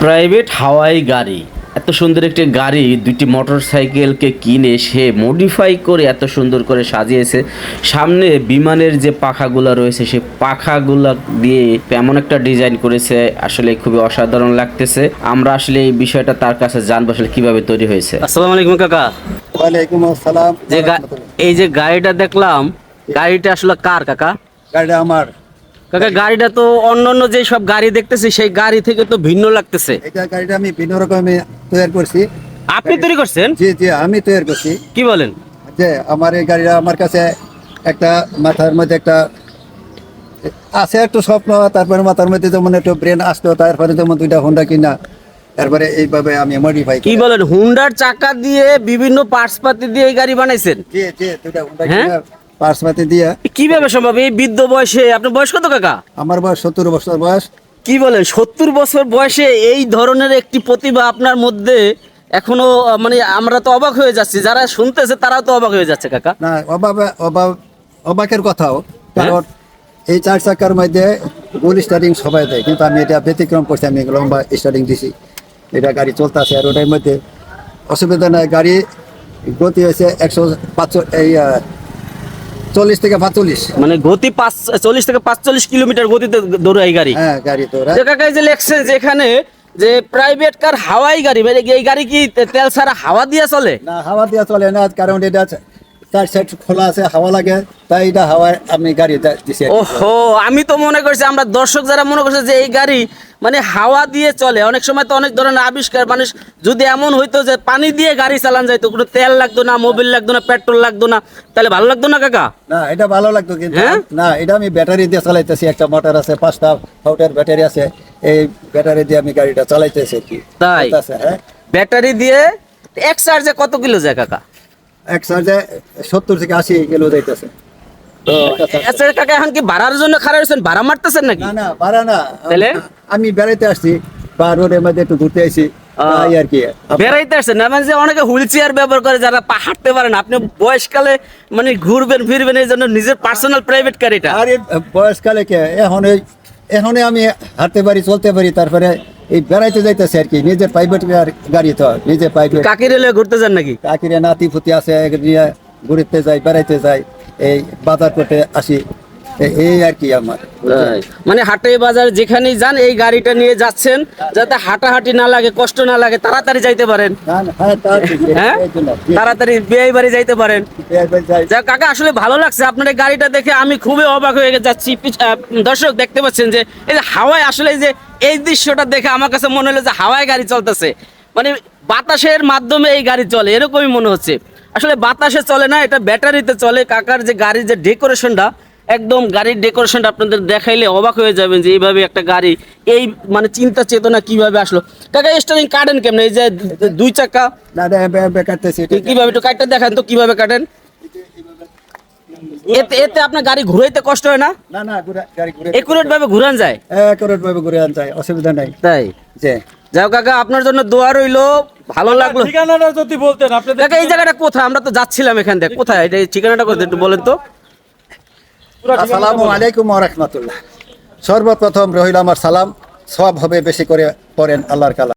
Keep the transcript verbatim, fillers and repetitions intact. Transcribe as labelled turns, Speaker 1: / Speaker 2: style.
Speaker 1: Private হাওয়াই গাড়ি, এত সুন্দর একটি গাড়ি দুইটি মোটরসাইকেলকে কিনে সে মডিফাই করে এত সুন্দর করে সাজিয়েছে। সামনে বিমানের যে পাখাগুলো রয়েছে সেই পাখাগুলো দিয়ে এমন একটা ডিজাইন করেছে, আসলে খুবই অসাধারণ লাগতেছে। আমরা আসলে এই বিষয়টা তার কাছে জানবো আসলে কিভাবে তৈরি হয়েছে। আসসালামু আলাইকুম কাকা।
Speaker 2: ওয়ালাইকুম আসসালাম।
Speaker 1: যে এই যে গাড়িটা দেখলাম, গাড়িটা আসলে কার কাকা?
Speaker 2: গাড়িটা আমার
Speaker 1: কাকা। গাড়িটা তো অন্যান্য যে সব গাড়ি দেখতেছি সেই গাড়ি থেকে তো ভিন্ন লাগতেছে।
Speaker 2: এটা গাড়িটা আমি ভিন্ন রকমে তৈরি করছি।
Speaker 1: আপনি তৈরি করছেন?
Speaker 2: জি জি আমি তৈরি করছি।
Speaker 1: কি বলেন?
Speaker 2: যে আমার এই গাড়িটা আমার কাছে একটা মাথার মধ্যে একটা আছে একটু স্বপ্ন, তারপরে মাথার মধ্যে যেমন একটু ব্রেন আসতো, তারপরে যেমন দুইটা হোন্ডা কিনা, তারপরে এইভাবে আমি মডিফাই।
Speaker 1: কি বলেন? হুন্ডার চাকা দিয়ে বিভিন্ন পার্টস পাতি দিয়ে এই গাড়ি বানাইছেন?
Speaker 2: জি জি দুইটা হোন্ডা
Speaker 1: হ্যাঁ?
Speaker 2: কিনা পার্সমাতি দিয়ে।
Speaker 1: কিভাবে সম্ভব এই বৃদ্ধ বয়সে? আপনার বয়স কত কাকা?
Speaker 2: আমার বয়স সত্তর বছর বয়স।
Speaker 1: কি বলেন? সত্তর বছর বয়সে এই ধরনের একটি প্রতিভা আপনার মধ্যে এখনো, মানে আমরা তো অবাক হয়ে যাচ্ছি, যারা শুনতেছে তারাও তো অবাক হয়ে যাচ্ছে কাকা।
Speaker 2: না অভাব অভাব অবাকের কথাও, কারণ এই চার চাকার মধ্যে গোল স্টার্টিং সবাই দেয়, কিন্তু আমি এটা ব্যতিক্রম করছি। আমি লম্বা স্টার্টিং দিছি, এটা গাড়ি চলতেছে। আর ওটার মধ্যে অসুবিধা নাই, গাড়ি গতি হয়েছে একশো পাঁচ এই চল্লিশ থেকে পাঁচচল্লিশ,
Speaker 1: মানে গতি পাঁচ চল্লিশ থেকে পাঁচচল্লিশ কিলোমিটার গতিতে দৌড়ায় এই গাড়ি।
Speaker 2: হ্যাঁ গাড়ি তো
Speaker 1: যে কাকা এই যে লেখছে যে এখানে যে প্রাইভেট কার হাওয়াই গাড়ি, মানে এই গাড়ি কি তেল ছাড়া হাওয়া দিয়ে চলে?
Speaker 2: না, হাওয়া দিয়ে চলে না, কারণ এটা চার সাইড খোলা আছে, হাওয়া লাগে, তাই এটা হাওয়ায় আমি গাড়ি দিছি।
Speaker 1: ওহো, আমি তো মনে করছি, আমরা দর্শক যারা মনে করছে যে এই গাড়ি মানে হাওয়া দিয়ে চলে। অনেক সময় তো অনেক ধরনের আবিষ্কার, মানুষ যদি এমন হইতো যে পানি দিয়ে গাড়ি চালান যাইতো, কোনো তেল লাগতো না, মোবিল লাগতো না, পেট্রোল লাগতো না, তাহলে ভালো লাগতো না কাকা?
Speaker 2: না এটা ভালো লাগতো, কিন্তু
Speaker 1: হ্যাঁ?
Speaker 2: না, এটা আমি ব্যাটারি দিয়ে চালাইতেছি। একটা মোটর আছে, পাঁচটা ফাউটের ব্যাটারি আছে, এই ব্যাটারি দিয়ে আমি গাড়িটা চালাইতেছি আর কি।
Speaker 1: তাই?
Speaker 2: হ্যাঁ,
Speaker 1: ব্যাটারি দিয়ে এক চার্জে কত কিলো যায় কাকা?
Speaker 2: এক চার্জে সত্তর থেকে আশি কিলো যাইতেছে।
Speaker 1: তো আচ্ছা কাকা, এখন কি ভাড়ার জন্য খারাপ হয়েছেন? ভাড়া মারতেছেন নাকি?
Speaker 2: না না ভাড়া না,
Speaker 1: তাহলে
Speaker 2: আমি বেড়াইতে আসছি বা রোডের মধ্যে একটু ঘুরতে আসি তাই আর কি।
Speaker 1: বেড়াইতে আসছেন না, মানে যে অনেকে হুইল চেয়ার ব্যবহার করে, যারা পা হাঁটতে পারে না, আপনি বয়সকালে মানে ঘুরবেন ফিরবেন, এই জন্য নিজের পার্সোনাল প্রাইভেট কার এটা।
Speaker 2: আরে বয়সকালে কে, এখন এই এখনই আমি হাঁটতে পারি, চলতে পারি, তারপরে এই বেড়াইতে যাইতেছে আর কি। নিজের প্রাইভেট গাড়ি তো, নিজের প্রাইভেট।
Speaker 1: কাকি রেলে ঘুরতে যান নাকি?
Speaker 2: কাকিরে নাতি ফুতি আছে, নিয়ে ঘুরতে যাই, বেড়াইতে যাই, এই বাজার করতে আসি, এই আর কি আমার।
Speaker 1: মানে হাটে বাজার যেখানেই যান এই গাড়িটা নিয়ে যাচ্ছেন, যাতে হাঁটাহাঁটি না লাগে, কষ্ট না লাগে, তাড়াতাড়ি যাইতে পারেন। হ্যাঁ, তাড়াতাড়ি বিয়ে বাড়ি যাইতে পারেন। যা কাকা, আসলে ভালো লাগছে আপনার এই গাড়িটা দেখে, আমি খুবই অবাক হয়ে যাচ্ছি। দর্শক দেখতে পাচ্ছেন যে এই যে হাওয়ায়, আসলে এই যে এই দৃশ্যটা দেখে আমার কাছে মনে হলো যে হাওয়ায় গাড়ি চলতেছে, মানে বাতাসের মাধ্যমে এই গাড়ি চলে, এরকমই মনে হচ্ছে। আসলে বাতাসে চলে না, এটা ব্যাটারিতে চলে। কাকার যে গাড়ির যে ডেকোরেশনটা, একদম গাড়ির ডেকোরেশনটা আপনাদের দেখাইলে অবাক হয়ে যাবেন যে এইভাবে একটা গাড়ি, এই মানে চিন্তা চেতনা কিভাবে আসলো। কাকা স্টারিং কাটেন কেমন? এই যে দুই চাকা কিভাবে, একটু কাটটা দেখান তো কিভাবে কাটেন। এতে এতে আপনার গাড়ি ঘুরাইতে কষ্ট হয় না?
Speaker 2: না না, গাড়ি ঘুরে
Speaker 1: একুরেট ভাবে ঘুরান যায়,
Speaker 2: একুরেট ভাবে ঘুরে আন যায়, অসুবিধা নাই।
Speaker 1: তাই
Speaker 2: যে
Speaker 1: যাও কাকা, আপনার জন্য দোয়া রইলো, ভালো লাগলো।
Speaker 3: ঠিকানাটা যদি বলতেন আপনি।
Speaker 1: কাকা এই জায়গাটা কোথায়? আমরা তো যাচ্ছিলাম এখান থেকে, কোথায় এটা, ঠিকানাটা কোথায় একটু বলেন তো।
Speaker 2: আসসালামু আলাইকুম ওয়া রাহমাতুল্লাহ। সর্বপ্রথম রহিল আমার সালাম, সওয়াব হবে বেশি করে পড়েন আল্লাহর কালাম।